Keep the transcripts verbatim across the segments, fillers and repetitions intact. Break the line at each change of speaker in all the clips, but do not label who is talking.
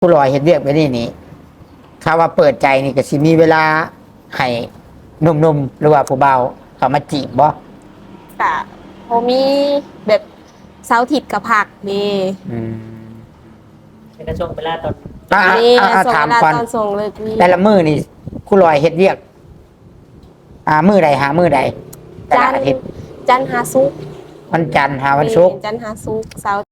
ผู้ลอยเฮ็ดเวียกไปนี่นี่ถ้าว่าเปิดใจนี่ก็สิมีเวลาให้หนุ่มๆหรือว่าผู้เบาเขามาจีบบ่
กะโมมีแบบเสาร์อาทิตย์กับผักนี่
อืม
เป็นกระช่วงเวลาตอน
อ่ะ
นี่
อ่ะอ่ะ
ส่ง
ถาม
เวลา
ก่อน
ตอนส่งเลยนี่
แต่ละมื้อนี่ผู้ลอยเฮ็ดเวียก อ่ามื้อใดหามื้อใดแต่
จั
ละ
นท
อา
ร์
ทิตย์
จันทร์หาซุกร์
วันจันทร์หาวันศุกร์
จันทร์หาซุกร์เสาร์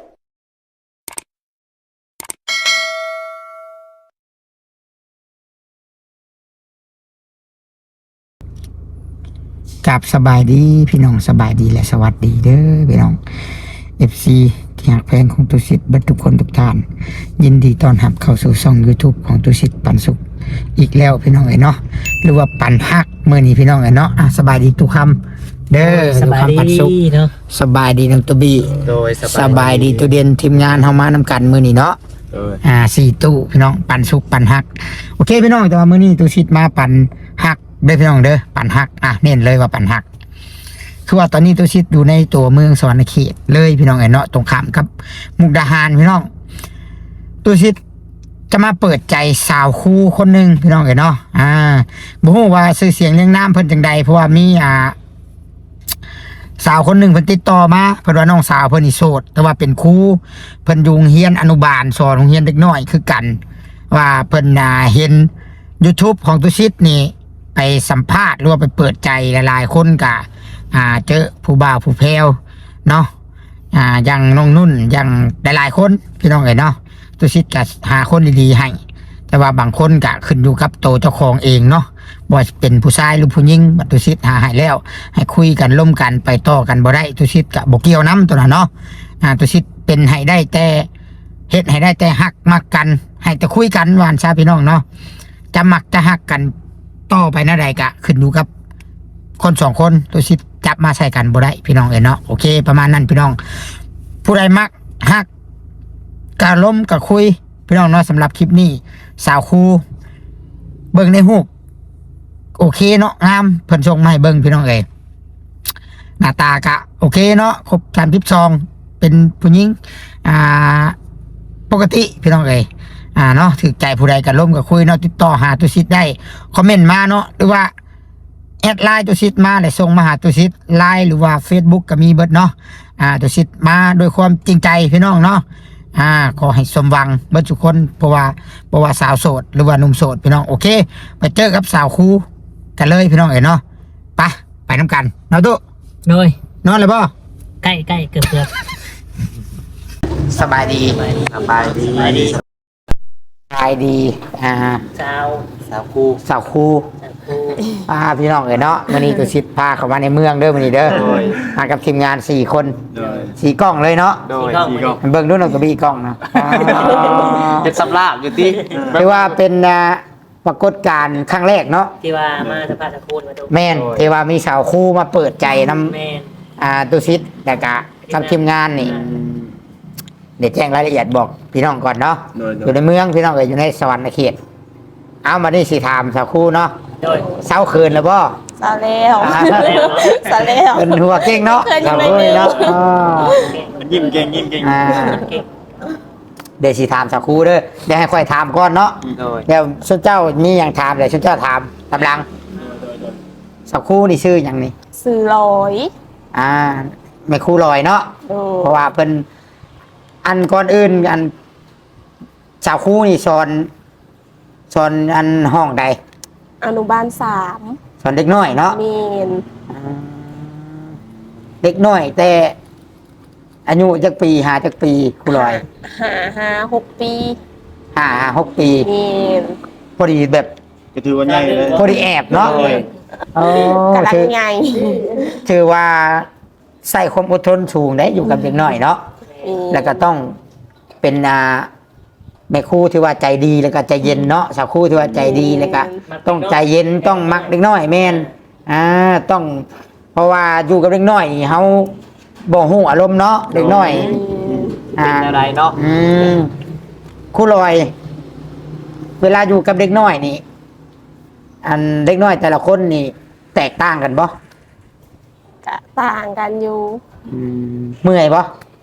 กับสบายดีพี่น้องสบายดีและสวัสดีเด้อพี่น้อง เอฟ ซี ที่หักแพงของตุสิทธิ์เบิดทุกคนทุกท่าน ยินดีต้อนรับเข้าสู่ช่อง YouTube ของตุสิทธิ์ปันสุขอีกแล้วพี่น้องเอ๋ยเนาะหรือว่าปันฮักมื้อนี้พี่น้องเอ๋ยเนาะอ่ะสบายดีทุกคำเด้อ
สบาย
ทุกคำปันสุข
ดีเนาะ
สบายดีน้องตุบี
โดย
สบายดีตุเด่นทีมงานเฮามานำกันมื้อนี้เนาะ
โดย
อ่าสี่ตู้พี่น้องปันสุกปันฮักโอเคพี่น้องแต่ว่ามื้อนี้ตุสิทธิ์มาปันฮักเด้อพี่น้องเด้อปันฮักอ่ะเน้นเลยว่าปันฮักคือว่าตอนนี้ตุสิทธิ์อยู่ในตัวเมืองสวรรณเขตเลยพี่น้องเอ๋ยเนาะตรงข้ามกับมุกดาหารพี่น้องตุสิทธิ์จะมาเปิดใจสาวคู่คนหนึ่งพี่น้องเอ๋ยเนาะอ่าบ่ฮู้ว่าชื่อเสียงเรียงนามเพิ่นจังใดเพราะว่ามีอ่าสาวคนหนึ่งเพิ่นติดต่อมาเพิ่นว่าน้องสาวเพิ่นนี่โสดแต่ว่าเป็นครูเพิ่นอยู่โรงเรียนอนุบาลสอนโรงเรียนเด็กน้อยคือกัน ว่าเพิ่นน่ะเห็น YouTube ของตุสิทธิ์นี่ไปสัมภาษณ์หรือว่าไปเปิดใจหลายๆคนกะอ่าเจอผู้บ่าวผู้แพรวเนาะอ่าอย่างน้องนุ่นอย่างหลายๆคนพี่น้องเอ๋ยเนาะตุสิทธิ์ก็หาคนดีๆให้แต่ว่าบางคนก็ขึ้นอยู่กับตัวเจ้าของเองเนาะว่าเป็นผู้ชายหรือผู้หญิงบัดตุสิทธิ์หาให้แล้ว ให้คุยกันร่วมกันไปต่อกันบ่ได้ตุสิทธิ์ก็บ่เกี่ยวนํตัวน่ะเนาะอ่าตุสิทธิ์เป็นให้ได้แต่เฮ็ดให้ได้แต่ฮักมักกันให้แต่คุยกันหวานซาพี่น้องเนาะจะมักจะฮักกันต่อไปนั่นใดก็ขึ้นอยู่กับคนสองคนตุสิทธิ์จับมาใส่กันบ่ได้พี่น้องเอ้ยเนาะโอเคประมาณนั้นพี่น้องผู้ใดมักฮักกะล้มกะคุยพี่น้องเนาะสำหรับคลิปนี้สาวคูเบิ่งในรูปโอเคเนาะงามเพิ่นส่งมาให้เบิ่งพี่น้องเอ้ยหน้าตากะโอเคเนาะครบสามสิบสองเป็นผู้หญิงอ่าปกติพี่น้องเอ้ยอ่าเนาะถือใจผู้ใดกะล้มกะคุยเนาะติดต่อหาตุสิทธิ์ได้คอมเมนต์มาเนาะหรือว่าแอดไลน์ตุสิทธิ์มาแล้วส่งมาหาตุสิทธิ์ไลน์หรือว่า Facebook ก็มีเบิดเนาะอ่าตุสิทธิ์มาด้วยความจริงใจพี่น้องเนาะอ่าขอให้สมหวังเบิดทุกคนเพราะว่าเพราะว่าสาวโสดหรือว่าหนุ่มโสดพี่น้องโอเคไปเจอกับสาวคู่กันเลยพี่น้องเอ๋ยเนาะไปไปน้ำกันเนาะตุ
โดย
นอนเลยป่ะ
ใกล้ใกล้เกือบเกือบ
สบายดี
สบายดี
สบายดีอ่า
เช้า
สาวคู่
สาวคู่
เช้าคู่
อ่าพี่น้องเอ๋ยเนาะวันนี้ตุสิทธิ์พาเข้ามาในเมืองเด้อวันนี้เด้อ
โดย
มากับทีมงานสี่คน
โดย
สี่กล้องเลยเนาะ
โดยสี่ก็
เบิ่งดูหน่อยก็มีกล้องนะอ่า
เป็นสำลาบอยู่ที่
ถือว่าเป็นอ่าปรากฏการณ์ครั้งแรกเนาะ
ที่ว่ามาสภาพตะคูนมาดู
แม่นที่ว่ามีสาวคู่มาเปิดใจนำ
แม่น
อ่าตุสิทธิ์แต่กะกับทีมงานนี่เดี๋ยวแจ้งรายละเอียดบอกพี่น้องก่อนเนาะ
โดย
อยู่ในเมืองพี่น้องเอ๋ยอยู่ในสวรรค์เขตเอามาได้สิถามสาวคู่เนาะ
โดย
เศร้าคืนแล้วบ่
ซาแล้ว
อ่า
ซาแล้ว
เป็นหัวเก่งเนาะ
เคยอยู่
สาว
ใน
คู่
เมือง
เนาะอ่า
ยิ้มเก่งยิ้มเก่ง
อ่า
เก่ง
เดี๋ยวสิถามสาวคู่เด้อเดี๋ยวให้ค่อยถามก่อนเนาะ
โดย
เดี๋ยวชุดเจ้ามีอย่างถามเดี๋ยวชุดเจ้าถามกำลังสาวคู่นี่ชื่ออย่างนี้
สื่อลอย
อ่าไม่คู่ลอยเนาะ
โอ้
เพราะว่าเพิ่นอันก่อนอื่นอันสาวคู่นี่สอนสอนอันห้องใด
อนุบาลสาม
สอนเด็กน้อยเนาะ
เมน
อ่าเด็กน้อย แต่อายุจักปีหาจักปีคู่ลอย
หาหาหกปี
ห้าหกปี
เมน
พอดีแบบ
ก็ถือว่าใหญ่เลย
พอดีแอบเนาะ
โดย
โอ้
กำลัง
ถือ
ไง
ถือว่าใส่ความอดทนสูงได้อยู่กับเด็กน้อยเนาะ
มี
แล้วก็ต้องเป็นอ่าแม่ครู่ที่ว่าใจดีแล้วก็ใจเย็นเนาะสาวครู่ที่ว่าใจดีแล้วก็ต้องใจเย็นต้องมักเด็กน้อยแม่นอ่าต้อง เพราะว่าอยู่กับเด็กน้อยนี่เฮาบ่ฮู้อารมณ์เนาะเด็กน้อย
เป็นอะไรเนาะ
อืมครู่ลอย เวลาอยู่กับเด็กน้อยนี่ อันเด็กน้อยแต่ละคนนี่ แตกต่างกันบ่
กะต่างกันอยู่
อืมเมื่อยบ่
ก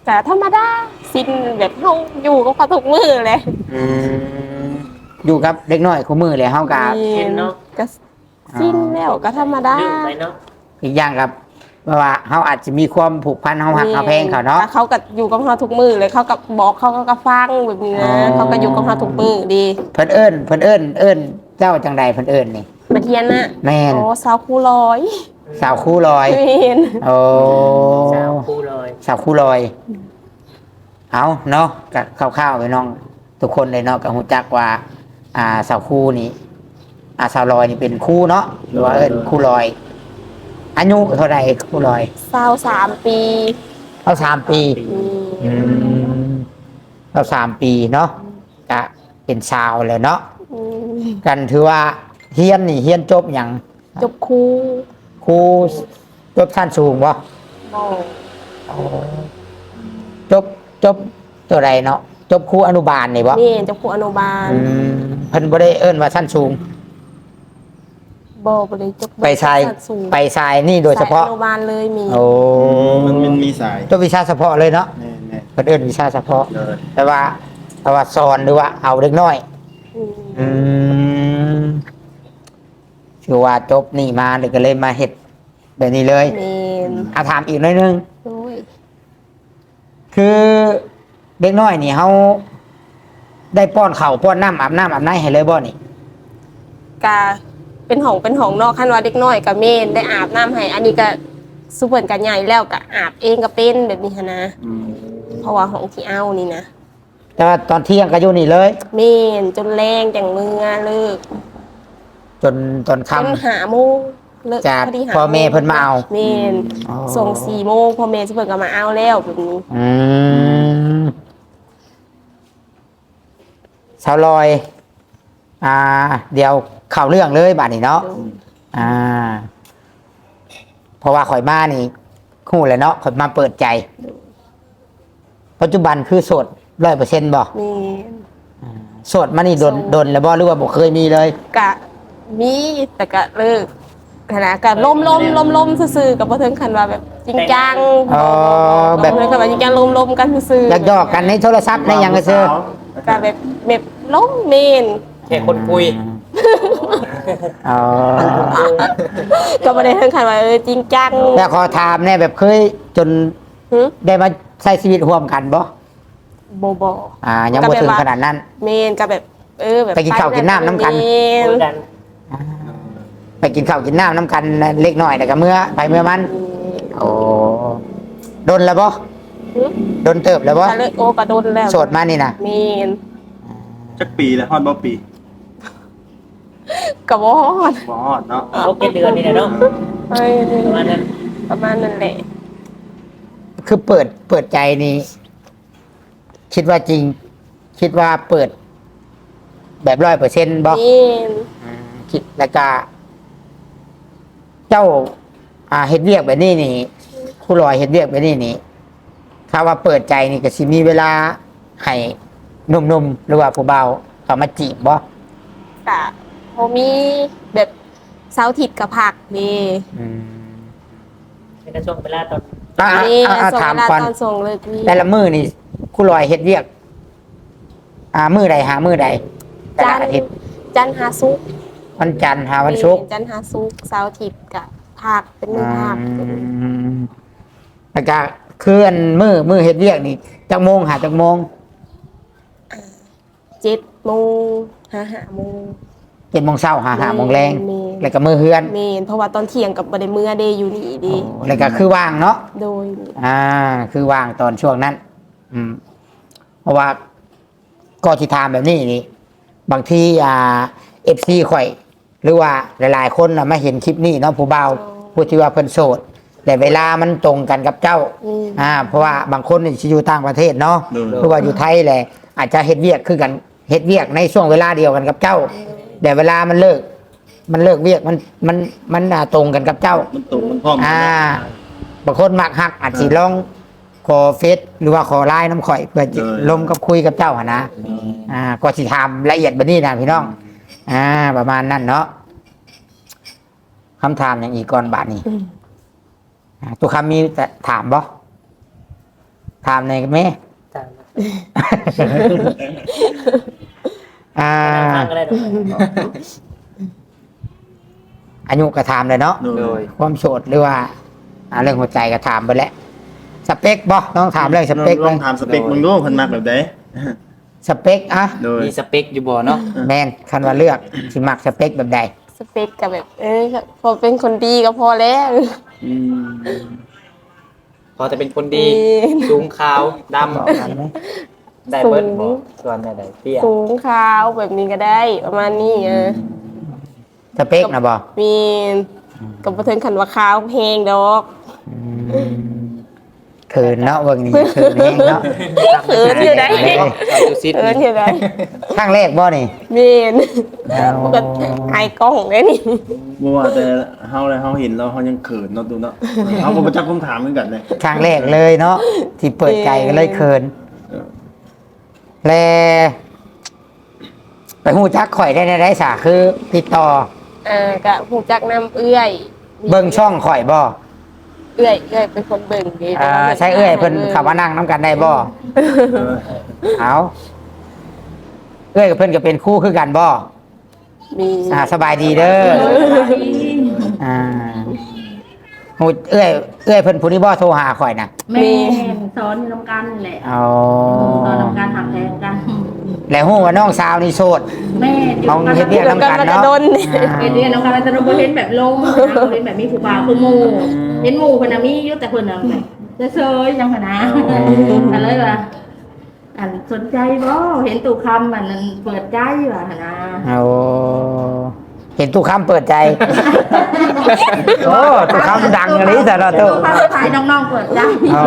แต่ธรรมดาสิ้นแบบเฮาอยู่กับเขาทุกมื้อเลย
อืมอยู่กับเด็กน้อยคู่มือเลยเฮากับ
สิ้นเนาะ
ก็สิ้นแล้วก็ธรรมดา
ดื้อไปเนาะ
อีกอย่างครับเพราะว่าเฮาอาจจะมีความผูกพันเฮาหักเฮาแพงเขาเนาะ
แต่เขาก็อยู่กับเราทุกมื้อเลยเขาก็บอกเขาก็ฟังแบบนี้
อ๋
นะ
อ
เขาก็อยู่กับเราทุกมื้อดี
เพิ่นเอิ้นเพิ่นเอิ้นเอิ้นเจ้าจังใดเพิ่นเอิ้นนี่
มาเทียนน่ะ
แม่น
โอ้สาวคู่ร้อย
สาวคู่ลอย
แม่น
โอ้
สาวคู่เลย
สาวคู่ลอย เอาเนาะกับข้าวๆไปน้อง ทุกคนเลยเนาะก็ฮู้จักว่า อ่าสาวคู่นี่อ่าสาวลอยนี่เป็นคู่เนาะหรือว่าเอิ้นคู่ลอยอายุเท่าไหร่คู่ลอย
สาวสามปี
เอาสามปี
อืม
อืมเอาสามปีเนาะก็เป็นสาวเลยเนาะ
อืม
กันถือว่าเฮียนนี่เฮียนจบอย่าง
จบคู่
ครูจบชั้นสูงบ่
โอ้
จบจบตัวใดเนาะจบครูอนุบาลนี่บ่
นี่จบคู่อนุบาล
อืมเพิ่นบ่ได้เอิ้นว่าชั้นสูง
บ่บ่ได้จบ
ไปชาย
สั้นสูง
ไปชายนี่โดยเฉพาะ
สอนุบาลเลยมี
โอ้
มันมันมีสาย
จบวิชาเฉพาะเลยเนาะ
แน่แน่
เพิ่นเอิ้นวิชาเฉพาะ
เลย
แต่ว่าแต่ว่าสอนหรือว่าเอาเด็กน้อย
อืม
อืมคือว่าจบนี่มาเลยก็เลยมาเฮ็ดแบบนี้เลย
เมน
อาถามอีกหน่อยหนึง
โอ้ย
คือเด็กน้อยนี่เขาได้ป้อนข้าวป้อนน้ำอาบน้ำอาบน้ำให้เลยบ่นี่
กาเป็นห้องเป็นห้องเนอกคันว่าเด็กน้อยก็เมนได้อาบน้ำให้อันนี้ก็สุเพิ่นก็ใหญ่แล้วก็อาบเองก็เป็นแบบนี้หั้นนะ
อืม
เพราะว่าห้องที่เอานี่นะ
แต่ว่าตอนเที่ยงก็อยู่นี่เลย
เมนจนแรงจังมือเลิก
จนตอน
จน
ค่ำ
หาโมงเลิก
จาก
พอดีหา
พ่อแม่เพิ่นมาเอา
เมน
อ๋อ
ส่งสี่โมงพ่อแม่สุเพิ่นก็มาเอาแล้วแบบนี้
อืมสาวลอย อ่า เดี๋ยวเข้าเรื่องเลยบาดนี้เนาะอ่า เพราะว่าข่อยมานี่คู่เลยเนาะข่อยมาเปิดใจ ปัจจุบันคือโสดร้อยเปอร์เซ็นต์บ่
เมน
โสดมานี่โดน
โสด
โดนแล้วบ่หรือว่าบ่เคยมีเลย
กะมีแต่กะเลิกขณะกะล้มล้มล้มล้มซื่อๆกับบ่ถึงขั้นว่าแบบจริงจัง
อ๋อแบบ
บ่ถึงขั้นว่าจริงจังล้มล้มกันซื่อๆ
อยากหยอกกันในโทรศัพท์ในหยังก็ซื้อ
กะแบบแบบล้มเมน
แค่คนคุย
อ๋อ
ก็บ่ได้ถึงขั้นว่าเออจริงจัง
แล้วขอถามแน่แบบเคยจน
หึ
ได้มาใช้ชีวิตร่วมกันบ่
บ่บ่
อ่า ยังบ่ถึงขนาดนั้น
เมนก็แบบเออแบบ
ไปกินข้าวกินน้ำน้ำกัน
เมน
คุยกัน
ไปกินข้าวกินน้ำน้ำกันเล็กน้อยแต่ก็เมื่อไปเมื่อมัน โอ้โดนแล้วบ่
หึ
โดนเติบแล้วบ่
ก็เลยโอ้ก็โดนแล้ว
โสดมานี่นะ
เมน
จักปีแล้วฮอดบ่ปี
ก็บ่ฮอด
บ่ฮอดเนาะ
เขาเก็บเดือนนี่แหละเนาะ
เอ้ย
ประมาณนั้น
ประมาณนั้นแหละ
คือเปิดเปิดใจนี่คิดว่าจริง คิดว่าเปิด แบบร้อยเปอร์เซ็นต์บ่
เมน
อืมคิดแล้วก็เจ้า อ่าเฮ็ดเวียกแบบนี้นี่ครูลอยเฮ็ดเวียกแบบนี้นี่ถ้าว่าเปิดใจนี่ก็สิมีเวลาให้หนุ่มๆหรือว่าผู้เบาเขามาจีบบ่
กะพอมีแบบเสาร์อาทิตย์กับผักนี่
อืม
ในกระช่วงเวลาตอน
อ่า
นี่
อ่าอ่า
ส่ง
ถาม
เวลา
ก่อน
ตอนส่งเลยนี่
แต่ละมือนี่ครูลอยเฮ็ดเวียก อ่ามือใดหามือใดแต่
จั
ละ
นท
อา
ร์
ทิตย์
จันทร์หาซุกร์
วันจันทร์หาวันศุกร์
จันทร์หาซุกร์เสาร์อาทิตย์กับผักเป็นมือผัก
อืมแล้วก็เคลื่อนมือมือเฮ็ดเวียกนี่จักโมงหาจักโมง
เจ็ดโมงหาหาโมง
เจ็ดโมงเช้าหาหาโมงแรง
เมน
แล้วก็มือเฮือน
เมนเพราะว่าตอนเที่ยงกับบไดเมื่อเดย์อยู่นี่ดี
โอ้แล้วก็คือว่างเนาะ
โดย
อ่า คือว่างตอนช่วงนั้น อืม เพราะว่าก็ที่ถามแบบนี้นี่ บางทีอ่าเอฟซีข่อย หรือว่าหลายๆคนน่ะมาเห็นคลิปนี้เนาะผู้เบาผู้ที่ว่าเพิ่นโสด แต่เวลามันตรงกันกับเจ้า
อืม
อ่า เพราะว่าบางคนนี่สิอยู่ต่างประเทศเนาะ
โดน
หรือว่าอยู่ไทยแหละอาจจะเฮ็ดเวียกคือกันเฮ็ดเวียกในช่วงเวลาเดียวกันกับเจ้า แต่เวลามันเลิก มันเลิกเวียกมันมันมันอ่าตรงกันกับเจ้า
มันตรงมันพร้อมกัน
อ่า
เนาะ
บางคนมักฮักอาจสิลองขอเฟซหรือว่าขอไลน์น้ำข่อยเพื่อจะลมกับคุยกับเจ้าหนนะ
อืม
อ่า ก็สิทำละเอียดแบบนี้นะพี่น้อง อ่า ประมาณนั้นเนาะคำถามอย่างอีกก่อนบาทนี้
อืม
อ่าตัวคำมีแต่ถามบ่ถามในอยแม่
ตาม
อ่า
ฟังก็ได้ดอก
อายุก็ถามเลยเนาะ
โดย
ความโสดหรือว่าอ่าเรื่องหัวใจก็ถามไปแล้วสเปคบ่ต้องถามเรื่องสเปค
ล
เล
อง
ย
ถามสเปคมึงดูเพิ่นมักแบบใด
สเปคอะ
โดย
มีสเปคอยู่บ่เนาะ
แมนคันว่าเลือกสิมักสเปคแบบใด
สเปคกับแบบ เออพอเป็นคนดีก็พอแล้ว
อืม
พอจะเป็นคนดี
ดี
สูงขาวด
บอกกันไหม
ำได้เบิดบ่ส่วนได้ได้เตี้ย
สูงขาวแบบนี้ก็ได้ประมาณนี้เออ
สเปคนะบ่
มีกับประเทิงขันว่าขาวเพลงดอก
เขินเนาะเบิ่งนี่เขินเองเนาะ
เขินอยู่ได้
เอาดูซิด
เขินอยู่ได้
ข้างแรกบ่นี่
มีน
เอา
ก็ไอ้กล้องเลยนี่
บ่ว่าแต่เฮาเลยเฮาเห็นแล้วเฮายังเขินเนาะตูเนาะเฮาก็บ่จักคำถามเหมือนกันเลย
ข้างแรกเลยเนาะที่เปิดใจก็เลยเขิน
เออ
แลไปหูจักข่อยได้ในได้สาคือ ติดต่อ
เออก็หูจักน้ำเอื้อย
เบิ่งช่องข่อยบ่
เอื้อยเอื้อยเป็นคนเบิ่งดี
อ่าใช่เอ้ยเพิ่นขับมานั่งน้ำกันได้บ่
เออ
เอาเอ้ยกับเพิ่นก็เป็นคู่คือกันบ่
มี
อ่าสบายดีเด้ออ่าหูเอ้ยเอ้ยเพิ่นผู้นี้บ่โทรหาข่อยน่ะ
แม่สอนอยู่นำกันแหละ
เอา
สอนนำกันหักแทงกัน
แล้วฮู้ว่าน้องสาวนี่โสด
แม่อยู่
เอา
กัน
เฮ็ดเวียก
แล้วกันมันจะโดน
เฮ็ดเรียนนำกันแต่เราบ่เห็นแบบลงนะเราเห็นแบบมีผู้บ่าวคือหมู่เห็นหมู่เพิ่นน่ะมีอยู่แต่เพิ่นน่ะแบบเฉยๆจังหั่นนะก็เลยว่าอันสนใจบ่เห็นตู่คำอันนั้นเปิดใจว่าหั่นนะ
เอาเห็นตู้คำเปิดใจ โอ้ตู้คำดังอันนี้แต่ละตู้
ตู่คำถ่ายน้องๆเปิดใจ
อ๋อ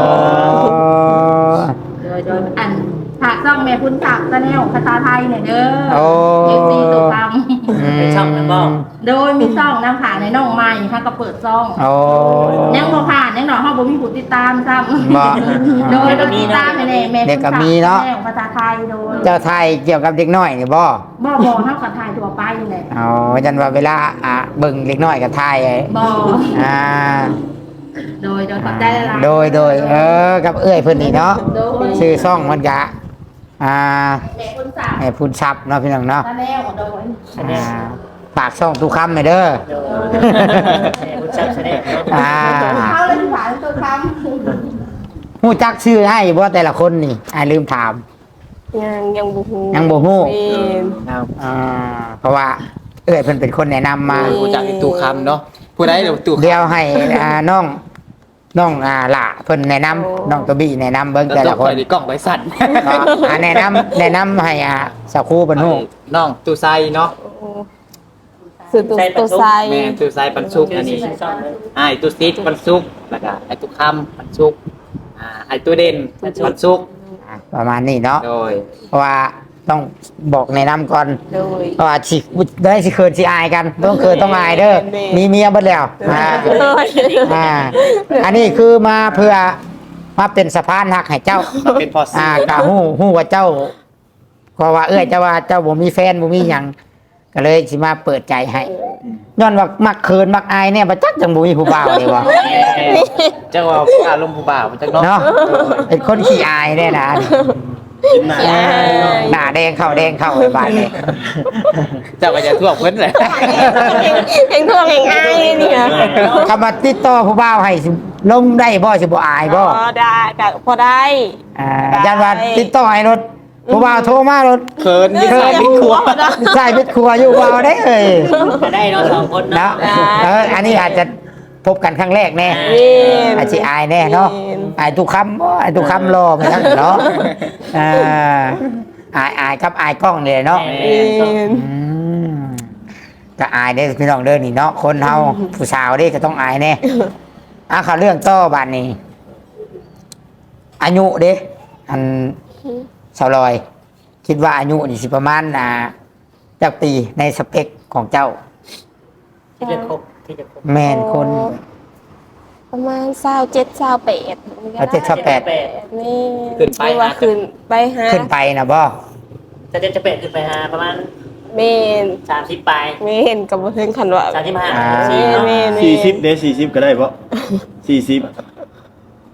โดยโดยอันฝากซ่องแม่คุณศักดิ์ตะแนวภาษาไทยเนี่ยเด้อ
โอ้
เอฟซีตู่คำ
เป็นช่องนั้นบ่
โดยมีซ่องนำผ่านในน้องใหม่ค่ะก็เปิดซ่อง
โอ้
ยังบ่ผ่านยังดอกเฮาบ่มีผู้ติดตามซ้ำ
บ่
โดยก็ติดตามแน่ๆแม่
เด็กก็มีเนาะ
แม่ภาษาไทยโดย
เจ้าไทยเกี่ยวกับเด็กน้อยนี่บ่
บ่บ่เฮาก็ถ่ายทั่วไปนี่แหละ
อ๋อจันว่าเวลาอ่ะเบิ่งเด็กน้อยกับไทย
บ่
อ่า
โดยโดยขอบใจหลายๆ
โดยโดยเออกับเอื้อยเพิ่นนี่เนาะ
โดย
ชื่อซ่องมันกะอ่า
แม่คุณศักดิ์
ให้พูนทรัพย์เนาะพี่น้องเนาะ
ตะแนวโดย
อ่าฝากซ่องทุกคำให้เด้อ
แม่คุณชักแสดงเนาะ
อ่า
เข้าเลยผ่านตัวคำ
ฮู้จักชื่อให้บ่แต่ละคนนี่อ้ายลืมถาม
ยังยังบูฮู
ยังบ่ฮู้
มีน
ครับ
อ่าเพราะว่าเอื้อยเพิ่นเป็นคนแนะนำมา
ผู้จักอีกตู่คำเนาะผู้ใดเดี๋ยวตู่คำ
เดี๋ยวให้อ่าน้องน้องอ่าล่ะเพิ่นแนะนำน้องตัวบี้แนะนำเบิ่งแต่
แต่
ละ
ละ
ค
คน นกล้องไว้สั่น
ก็อ่าแนะนำแนะนำให้อ่าสักครู่เพิ่นฮู้
น้องตู่ไซเนาะ
สื่อตุตุไซ
แม่ตู่ไซปันสุกอันนี้อ้ายตู่ซิดปันสุกแล้วก็ไอ้ตู่คำปันสุกอ่าไอ้ตู่เด่นปันสุก
อ่ะประมาณนี้เนาะ
โดย
เพราะว่าต้องบอกแนะนำก่อน
โดย
เพราะว่าสิได้สิเคินสิอายกันต้องเคินต้องอายเด้อ
แม่
มีเมียเบิดแล้วอ่า อ่า อันนี้คือมาเพื่อมาเป็นสะพานหักให้เจ้า
มาเป็นพอ
อ่า
ซี
กะฮู้ฮู้ว่าเจ้าเพราะว่าเอ้ยเจ้าว่าเจ้าบ่มีแฟนบ่มีหยังก็เลยสิมาเปิดใจให้ย้อนว่ามักเคินมักอายเนี่ยบ่จักจังบ่มีผู้บ่าวเลยว่ะ
เจ้าว่าอารมณ์ผู้บ่าวจักเนาะ
เนาะเป็นคนขี้อายแน่นะ
กินหน้า
ใช่
หน้าแดงเข้าแดงเข้าไอ้บาดนี้
เจ้าก็จะท่วงเพิ่นเลย
เพลงทวงเพลงอายเนี่ย
คำว่าติดต่อผู้บ่าวให้สิลงได้บ่สิบ่อายบ่
พอได้ก็พอได้
อ่ายันว่าติดต่อให้รถผู้บ่าวโทรมารถ
เขินยิ่งใส่ยิ่งครัว
ใช่พิดครัวอยู่บ่าวได้เอ้ย
มาได้เนาะสองคน
เนาะ
เนาะ
เอออันนี้อาจจะพบกันครั้งแรกแน่
มีน
อาจสิอายแน่เนาะอายทุกคำบ่อายทุกคำรอไปทั้งเนาะอ่าอายอายครับอายกล้องเลยเนาะ
มีน
อืมก็อายได้พี่น้องเด้อนี่เนาะคนเฮาผู้สาวเด้ก็ต้องอายแน่อ่ะเขาเรื่องต่อบัดนี้ อายุเด้อันสาวลอย คิดว่าอายุนี่สิประมาณอ่าจักปีในสเปคของเจ้า
ที่จะครบที่จะครบ
แมนคน
ประมาณเศร้าเจ็ดเศร้าแปด
เอาเจ็ดสิบแปด
นี่
ขึ้นไป
หรือว่าขึ้นไปหา
ขึ้นไปนะบ่
จะจะจะเป็ดขึ้นไปหาประมาณ
เมน
สามสิบปลาย
เมนกับบ่ถึงขันว่า
สามสิบห้า
อ่า
เมนเมน
สี่สิบเด้สี่สิบก็ได้บ่สี่สิบ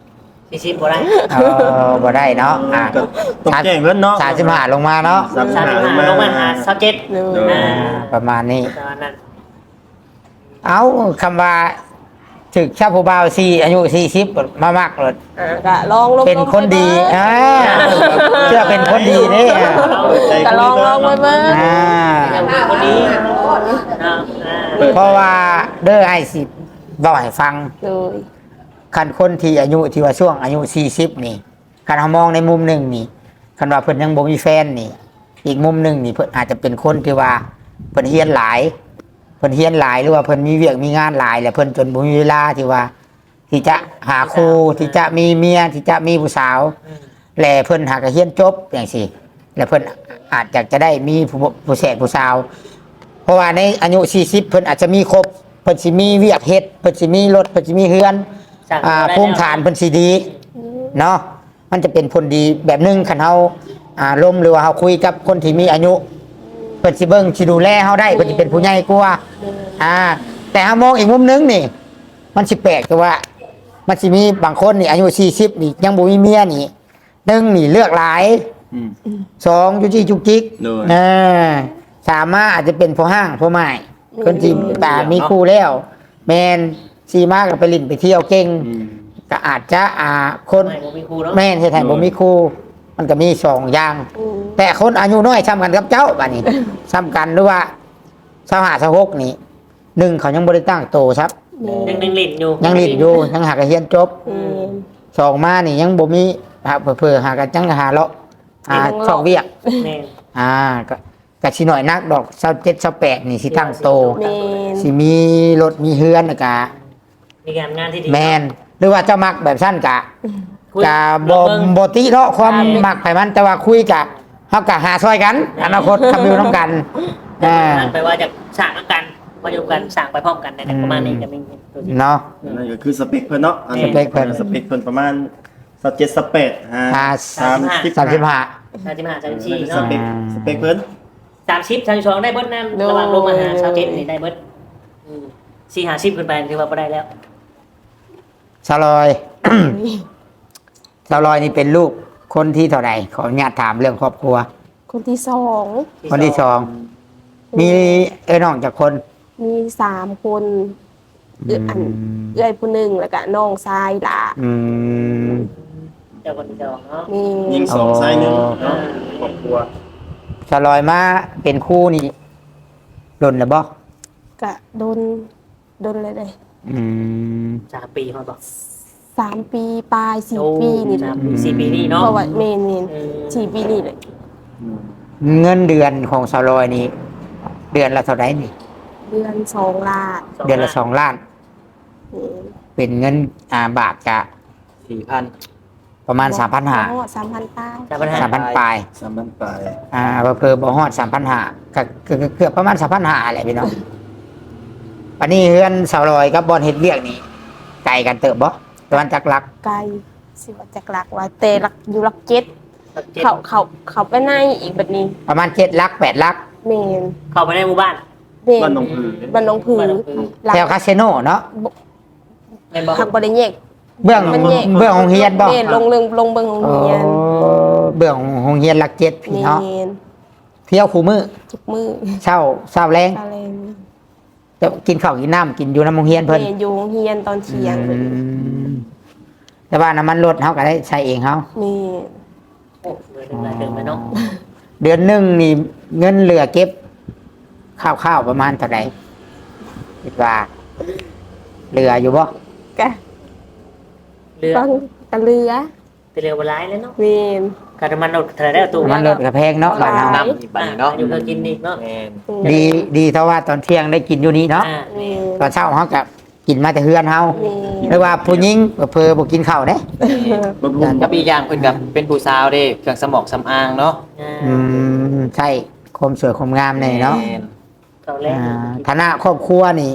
สี่สิบบ่ได้
เออบ่ได้เนาะอ่ะ
ก็ต้องแจ้งเพิ่นเนาะ
สามสิบห้าลงมาเนาะ
สามสิบ
สาม
ห้า
สิบ
ลง
ห้า
มา
ลงมาหาสิบเจ็ด
เลย
อ่า
ประมาณนี้
ตอนนั้น
เอาคำว่าถึกชาผู้บ่าวสี่อายุสี่สิบมามากเลย
อ่าก็ลองลง
เป็นคนดีอ่าเชื่อเป็นคนดีนี่อ่ะ
ก็ลองลองไปเบิ่ง
อ่า
ยังมีคนนี้เนาะอ่า
เพราะว่าเด้อไอ้สิบอกให้ฟัง
เลย
คันคนที่อายุที่ว่าช่วงอายุสี่สิบนี่คันเรามองในมุมหนึ่งนี่คันว่าเพิ่นยังบ่มีแฟนนี่ อีกมุมหนึ่งนี่เพิ่นอาจจะเป็นคนที่ว่าเพิ่นเฮียนหลายเพิ่นเฮียนหลายหรือว่าเพิ่นมีเวียกมีงานหลายแล้วเพิ่นจนบ่มีเวลาที่ว่า ที่จะหาครูที่จะมีเมียที่จะมีผู้สาวแลเพิ่นหากระเฮียนจบอย่างสิแล้วเพิ่นอาจจะจะได้มีผู้ผู้แสกผู้สาว เพราะว่าในอายุสี่สิบเพิ่นอาจจะมีครบเพิ่นสิมีเวียกเฮ็ดเพิ่นสิมีรถเพิ่นสิมีเฮือน
สั่ง
อ่า
ได้
ภูมิฐานเพิ่นสิดีเนาะมันจะเป็นผลดีแบบหนึงคันเฮาอ่าล้มหรือว่าเฮาคุยกับคนที่มีอายุเพิ่นสิเบิ่งสิดูแลเฮาได้เพิ่นสิเป็นผู้ใหญ่กว่าอ่า แต่เฮามองอีกมุมหนึงนี่ มันสิแปลกคือว่า มันสิมีบางคนนี่อายุสี่สิบนี่ยังบ่มีเมียนี่หนึ่งนี่เลือกหลาย
อืม
สองจุกจิกจุกจิก
โดย
เออสามารถอาจจะเป็นผู้ห้างผู้ใหม่คนที่ตามีคู่แล้ว แมนซีมากกับไปลิ่นไปเที่ยวเก่ง
อืม
ก็อาจจะอ่าคน
ไม่บ่มีครูเนาะ
แม่นเฮ็ดให้บ่มีคู่มันก็มีสองอย่าง
อืม
แต่คนอายุน้อยซ้ำกันกับเจ้าบัดนี้ ซ้ำกันหรือว่าสหาสหกนี่หนึ่งเขายังบ่ได้ตั้งโตครับ
ยังยังลิ้นอยู่
ยังลิ้นอยู่ยังหากระเฮียนจบ
อืม
สองมานี่ยังบ่มีหาเผื่อๆหากันจังหาเลาะอ่า
ยังเลาะ
ช่องเวียก
แม่น
อ่าก็ก็สิหน่อยนักดอกเศร้าเจ็ดเศร้าแปดนี่สิตั้งโต
แม่น
สิมีรถมีเฮือนนะกะ
มีการงานที่ดี
แมนหรือว่าเจ้ามักแบบสั้นกะ
คุย
กะบ
ลองเบิ่ง
บติเนาะความ
อ่า
มักไผมันแต่ว่าคุยกะเฮากะหาซอยกัน อนาคตทำอยู่น้ำกันอ่า
แปลว่าจะสั่งกันมาอยู่กันสั่งไปพร้อมกันในประมาณนี้จะมีตัวที่
เนาะ
นั่นก็คือสเปคเพิ่นเนาะอัน
สเปคเพิ่น
สเปคเพิ่นประมาณสักเจ็ดสเปดฮะ
อ่า
สามสิบ
สามสิบห้า
สามสิบห้าสามสิบ
ส
สี่
เป
เนาะ
คสเปคเพิ่น
สามสิบสามสิบสองได้เบิดนั่นระหว่างลงมาหาสามสิบนี่ได้เบิดอืมสี่ห้าสิบขึ้นไปถือว่าบ่ได้แล้ว
สลอย สลอยนี่เป็นลูกคนที่เท่าไหร่ขออนุญาตถามเรื่องครอบครัว
คนที่สอง
คนที่สองมีเอ้ยน้องจากคน
มีสามคนเอื้ออันเอื้อยผู้หนึ่งแล้วก็น้องชายหล่ะ
อืม
เจ้าคนที่สองเนาะ
นี่
ยิงสองไซส์หนึ่ง
อ๋อ
เนาะครอบครัว
สลอยมาเป็นคู่นี่ดนหรือบ่
ก็โดนโดนเลยเลย
อืม
สามปีเขาบอก
สามปีปลายสี่
โอ้
ปีนี่แห
สา
ละ
มปีสี่ปีนี่
เพ
เนาะ
ราะว่าเมนเมน
เออ
สี่ปีนี่เลย
เงินเดือนของสลอยนี่เดือนละเท่าไหร่นี่
เดือนสองลาด
เดือนละสองล้าน
นี่
เป็นเงินอ่าบาทกะ
สี่พัน
ประมาณสามพันห้า
สามพันป้าย
สามพันห้า
สามพันปลาย
สามพันปลาย
อ่าเพิ่มบ่ฮอดสามพันห้าก็ก็ก็เกือบประมาณสามพันห้าแหละพี่น้องปันนี้เฮือนสลอยกับบอลเฮ็ดเวียกนี่ไกลกันเติบบ่ประมาณจักลัก
ไกลสิว่าจากหลักว่าแต่หลักอยู่หลักเจ็ด
เจ็ด
เขาเขาเขาไปในอีกแบบนี้
ประมาณเจ็ดลักแปดลัก
เมน
เข้าไปในหมู่บ้าน
เมน
บ้านหนองผือ
บ้านหนองผือ
บ้านหนองผือ
หลัก
แถวคาสิโนเนาะ
ในบ่
หักบริเยก
เบื้อง
มันแยก
เบื้องของเฮียนบ่
เมนลงลงลงเบิ่งโรง
โอ้
เรียน
เบื้องของเฮียนลักเจ็ดพี่
เม
เนาะ
น
เที่ยวคู่มือ
จุกมือ
เช้าเช้าแรง
อะไรนี่
จะกินข้าวกินน้ำกินอยู่น้ำโรงเรียน
เม
เพิ่น
นอยู่โรงเรียนตอนเที่ยง
อืมแต่ว่าน้ำมันรถเขาก็ได้ใช้เองเขา
นี่
โอ้เดือนหนึ่งรายเดือนไปเนาะ
เดือนหนึ่งนี่เงินเหลือเก็บข้าวๆประมาณเท่าไหร่คิดว่าเหลืออยู่บ่
กะ
เรือ
ฟังตะเรือ
เรือโบราณเลยเนาะ
เมน
การน้ำมันรถเท่าไหรได้ตู้
น้ำมันรถก็แพงเนาะบ้านเรา
น้ำอีกบัดนี้เนาะ
อยู่เพื่อกินอีกเนาะ
แม่น
ดีดีเท่าว่าตอนเที่ยงได้กินอยู่นี้เนาะ
อ่า
เมน
ตอนเช้าเขาก็กินมาแต่เฮือนเฮา
เมน
หรือว่าผู้หญิงเพอบ่กินข้าวเด้
บำรุง
กับอีกอย่างเพิ่นกับเป็นผู้สาวเด้เครื่องสมองสำอางเนาะ
อ่า
อืมใช่ความสวยความงามในเนาะ
แม่
เขาแรก
อ่าฐานะครอบครัวนี่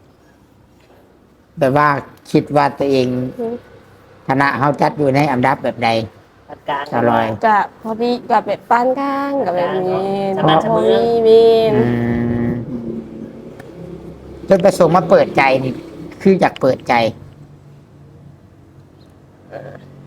แบบว่าคิดว่าตัวเองฐานะเฮาจัดอยู่ในอันดับแบบใด
จัดการ
อร่อย
กะพอดีกับแบบปานกลางกับแบบนี้
สมานเสมอ
พอดีเมน
อืมจนประสงค์มาเปิดใจนี่ คืออยากเปิดใจ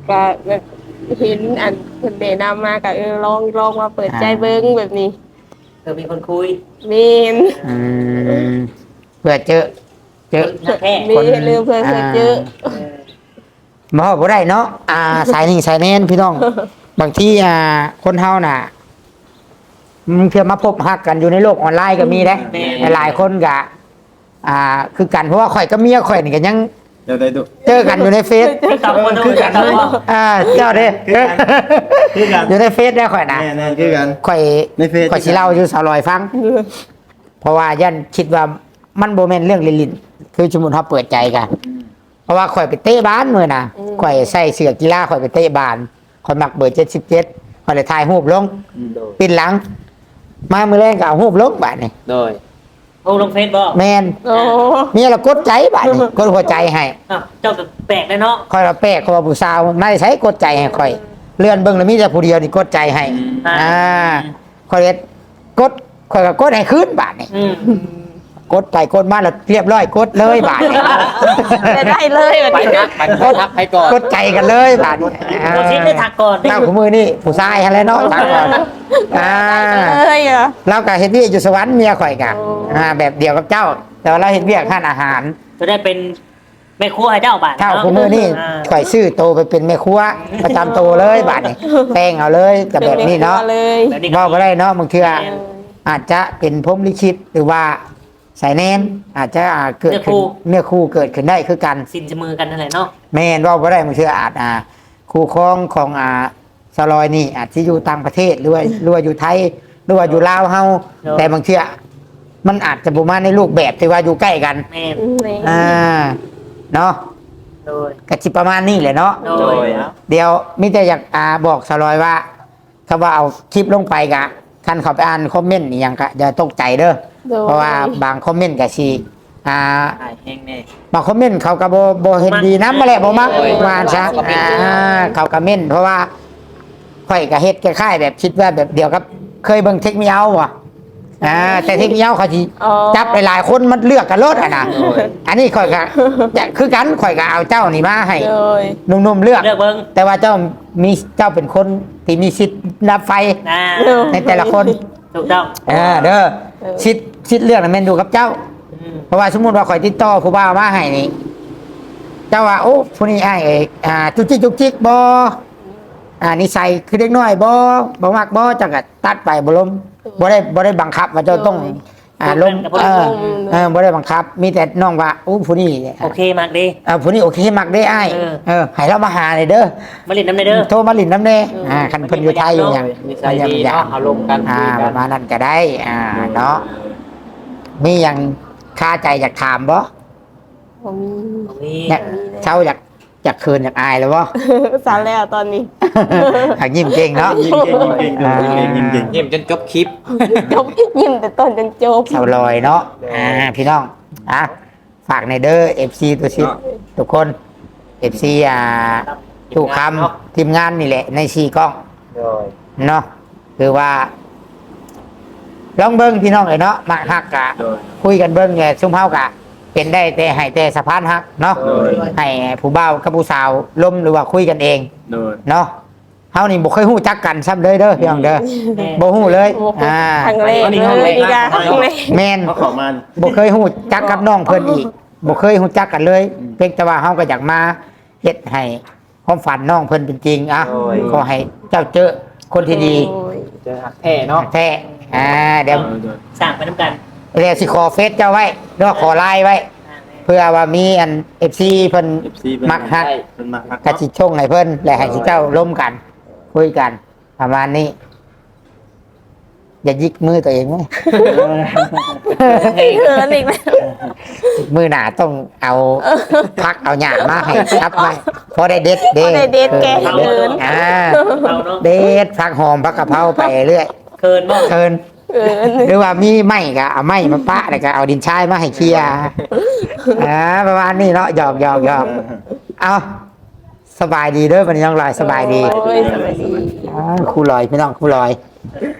ก็แบบเห็นอันเพิ่นแนะนำมาก็เออลองลองมาเปิดใจเบิ่งแบบนี้
เออมีคนคุย
แม่น
อืมเพื่อเจอเจอ
นักแท้
มีเรื่องเพิ่นเพิ่นเยอะ
เออ
บ่บ่ได้เนาะอ่าสายนี่สายแน่นพี่น้อง บางทีอ่าคนเฮาน่ะมันเพื่อมาพบฮักกันอยู่ในโลกออนไลน์ก็มีเด้หลายๆคนก็อ่าคือกันเพราะว่าข่อยกับเมียข่อยนี่ก็ยัง
เดี๋ยวได้ดู
เจอกันอยู่ในเฟซ
ติ๊กต็อกคนดูติ๊กต็อก
อ่าเจ้าเด้
คือกัน
อยู่ในเฟซได้ข่อยนะ
แน่แน่คือกัน
ข่อย
ในเฟซ
ข่อยสิเล่าอยู่สาวลอยฟัง เพราะว่ายันคิดว่ามันโบแมนเรื่องลิลินคือสมมุติเขาเปิดใจกันเพราะว่าข่อยไปเตะบ้านมือนะข่อยใส่เสื้อกีฬาข่อยไปเตะบ้านข่อยมักเบอร์เจ็ดสิบเจ็ดข่อยเลยถ่ายรูปลง
โดย
ปิดหลัง มามือแรงก็เอารูปลงบาดนี่
โดย
โอ้ลงเฟซบอก
แมน
โอ้
เมียเรากดใจบาดนี่กดหัวใจให้
อ้าวเจ้าก็แปลกเลยเนาะ
ข่อยเราแปลกเขาว่าผู้สาวไม่ได้ใช้กดใจให้ข่อย เลื่อนเบิ่งแล้วมีแต่ผู้เดียวนี่กดใจให้ อ่าข่อยเลยกดข่อยก็กดให้คืนบาดนี่
อืม
กดไปกดมาแล้วเรียบร้อยกดเลยบาดนี่
จะได้เลยแบบ
ไป
นี้
ทักไปทักไปก่อน
กดใจกันเลยบาดนี้
โคชิดได้ทักก่อน
เจ้าของมือนี่ผู้ชายอะไรเนาะทักก่อนอ่า
เลยอ่ะ
เรากับเฮ็ดเวียกอยู่สวรรค์เมียข่อยกะ
โอ้
อ่าแบบเดียวกับเจ้า แต่ว่าเราเฮ็ดเวียกทานอาหาร
จะได้เป็นแม่ครัวให้เจ้าบ้าน
ข้าว
เนาะ
ของมือนี่
อ่า
ข่อยซื้อโตไปเป็นแม่ครัวประจำโตเลยบาดนี้แป้งเอาเลยกับแบบนี้เนาะ
เลย
แบบนี้
ว่า
ก็
บ่ได้เนาะบางเทื่ออาจจะเป็นพรหมลิขิตหรือว่าสายแนนอาจจะอ่าเกิดขึ้นเนื้อคู่เกิดขึ้นได้คือกัน
สินจะมือกันนั่นแหละเนาะ
แม่นว่าบ่ได้มันคืออาจอ่าคู่ครองของอ่าสลอยนี่ อาจจะอยู่ต่างประเทศหรือว่าหรือว่าอยู่ไทยหรือว่าอยู่ลาวเฮาแต่บางเทื่อมันอาจจะบ่มาในรูปแบบที่ว่าอยู่ใกล้กัน
แม่น
อ่าเนาะ
โดย
ก็สิประมาณนี้แหละเนาะ
โด
โด
ย
ยเอา
เดี๋ยวมิแต่อยากอ่าบอกสลอยว่าคำว่าเอาคลิปลงไปกะคันเขาไปอ่านคอมเมนต์นี่ยังก็อย่าตกใจเด้อเพราะว่าบางคอมเมนต์ก็สิอ่า
ถ่ายแห้งแน่
บางคอมเมนต์เขาก็บ่บ่เห็นดีนำมาแหละบ่มักว่าซะอ่าเขาก็เม่นเพราะว่าข่อยก็เฮ็ดคล้ายๆแบบคิดว่าแบบเดียวกับเคยเบิ่งเทคนิคเอาบ่อ่าแต่เทคนิคเอาเขาสิ
อ๋อ
จับหลายๆคนมันเลือกกันรถอ่ะนะอันนี้ข่อยก็จะคือกันข่อยก็เอาเจ้านี่มาให้
เลย
หนุ่มๆเลือก
เลือกเบิ้ง
แต่ว่าเจ้ามีเจ้าเป็นคนที่มีสิทธิ์ดับไฟ
นะ
ในแต่ละคน
ถูกต้อง
เออเด้อสิทธิ์สิทธิ์เลือกน่ะแม่นอยู่กับเจ้า
อืม
เพราะว่าสมมุติว่าข่อยติดต่อผู้บ่าวมาให้นี่ เจ้าว่าโอ้ผู้นี้อ้ายเอกอ่าจุกจิกจุกจิกบ่อ่านิสัยคือเด็กน้อยบ่บ่มักบ่จังก็ตัดไปบ่ล้มบ่ได้บ่ได้บังคับว่าเจ้าต้อง อ่าล้มเออเออบ่ได้บังคับ มีแต่น้องว่าโอ้ผู้นี้
โอเคมากดี
เออผู้นี้โอเคมักได้อ้าย
เออ
เออให้เรามาหาหน่อยเด้อ
มาเล่นน้ำในเด้อ
โทรมาหลินน้ำเน่อ่าคันเพิ่นอยู่ไทยอยู่หยัง
นิสัยดีเนาะเอาลงกัน
อ่า
คุย
ป
กั
ระ
น
มาณนั้นก็ได้ อ่าเนาะมีหยังคาใจอยากถามบ่
ผมมี
นี่
เนี่ยเช้าอยากอยากคืนอยากอายแล้วบ่
สารแล้วตอนนี้
อยากยิ้มเก่งเนาะ
ยิ้มเก่งยิ้มเก่งยิ้มเก่งยิ้มเก่ง
เยี่ยมจนจบคลิป
จบยิ้มแต่ต้นจนจบ
เสาลอยเนาะอ่าพี่น้องอ่ะฝากในเด้อ เอฟ ซี ตัวชิดทุกคน เอฟ ซี อ่าทุกคำทีมงานนี่แหละในสี่กล้อง
โดย
เนาะคือว่า ลองเบิ้งพี่น้องเลยเนาะมาฮักกะ
โดย
คุยกันเบิ้งไงซุ่มเฮากะ เป็นได้แต่ให้แต่สะพานฮักเนาะ
โดย
ให้ผู้บ่าวกับผู้สาวล้มหรือว่าคุยกันเอง
โดย
เนาะเฮานี่บ่เคยฮู้จักกันซ้ำเลยเด้อพี่น้องเด้อบ่ฮู้เลย
โอ้โห
อ่า
ครั้งแรกเลยนี่กะครั้งแรก
แม่น
เขาขอมา
บ่เคยฮู้จักกับน้องเพิ่นอีกบ่เคยฮู้จักกันเลย เพียงแต่ว่าเฮาก็อยากมาเฮ็ดให้ความฝันน้องเพิ่นเป็นจริงอ่ะขอให้เจ้าเจอคนที่ดี
โอ้ย
เจอหักแท้เนาะ
แท้อ่าเดี๋ยว
โดย
สร้างไปน้ำกัน
เดี๋ยวสิขอเฟซเจ้าไว้หรือว่าขอไลน์ไว้ เพื่อว่ามีอัน เอฟ ซี เพิ่น
เอฟซีเป็น
มักฮัก
เป็นมักฮัก
กะสิชงให้เพิ่นและให้สิเจ้าร่วมกัน คุยกัน ประมาณนี้ อย่ายิกมือตัวเองไหม
เขินอีกแล้ว
มือหนาต้องเอาพักเอาหยามาให้ครับไว้พอได้เด็ดเด็
พอได้เด็ดแก
เด็ดอ่า
เอาเนาะ
เด็ดพักหอมพักกะเพราไปเรื่อย
เคินบ่
เคิน
เขิน
หรือว่ามีไม้ก็เอาไม้มาปะแล้วก็เอาดินชายมาให้เคลียร์อ่าประมาณนี้เนาะหยอกหยอกหยอกเอาสบายดีเด้อวันนี้น้องลอยสบายดี
โอ้ยสบายดี
อ่าครูลอยพี่น้องครูลอย